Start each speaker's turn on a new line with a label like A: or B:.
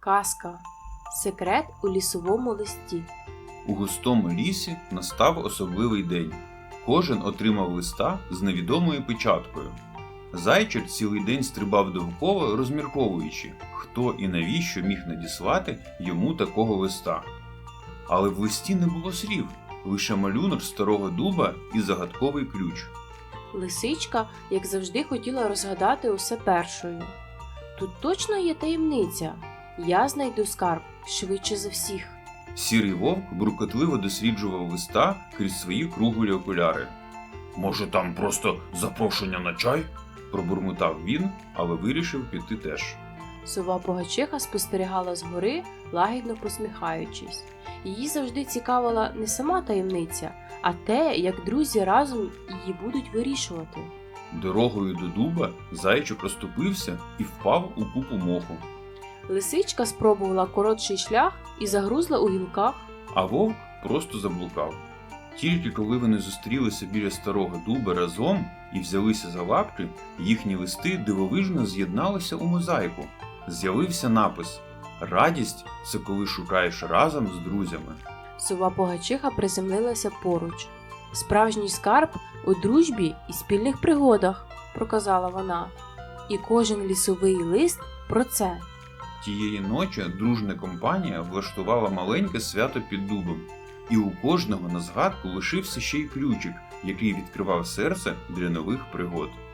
A: Казка. Секрет у лісовому листі.
B: У густому лісі настав особливий день. Кожен отримав листа з невідомою печаткою. Зайчик цілий день стрибав довкола, розмірковуючи, хто і навіщо міг надіслати йому такого листа. Але в листі не було слів, лише малюнок старого дуба і загадковий ключ.
A: Лисичка, як завжди, хотіла розгадати усе першою. Тут точно є таємниця. Я знайду скарб швидше за всіх.
B: Сірий вовк буркотливо досліджував листа крізь свої круглі окуляри. «Може, там просто запрошення на чай?» – пробурмотав він, але вирішив піти теж.
A: Сова Погачиха спостерігала згори, лагідно посміхаючись. Її завжди цікавила не сама таємниця, а те, як друзі разом її будуть вирішувати.
B: Дорогою до дуба зайчик розступився і впав у купу моху.
A: Лисичка спробувала коротший шлях і загрузла у гілках.
B: А вовк просто заблукав. Тільки коли вони зустрілися біля старого дуба разом і взялися за лапки, їхні листи дивовижно з'єдналися у мозаїку. З'явився напис «Радість – це коли шукаєш разом з друзями».
A: Сова Погачиха приземлилася поруч. «Справжній скарб у дружбі і спільних пригодах», – проказала вона. І кожен лісовий лист про це.
B: Тієї ночі дружна компанія влаштувала маленьке свято під дубом. І у кожного на згадку лишився ще й ключик, який відкривав серце для нових пригод.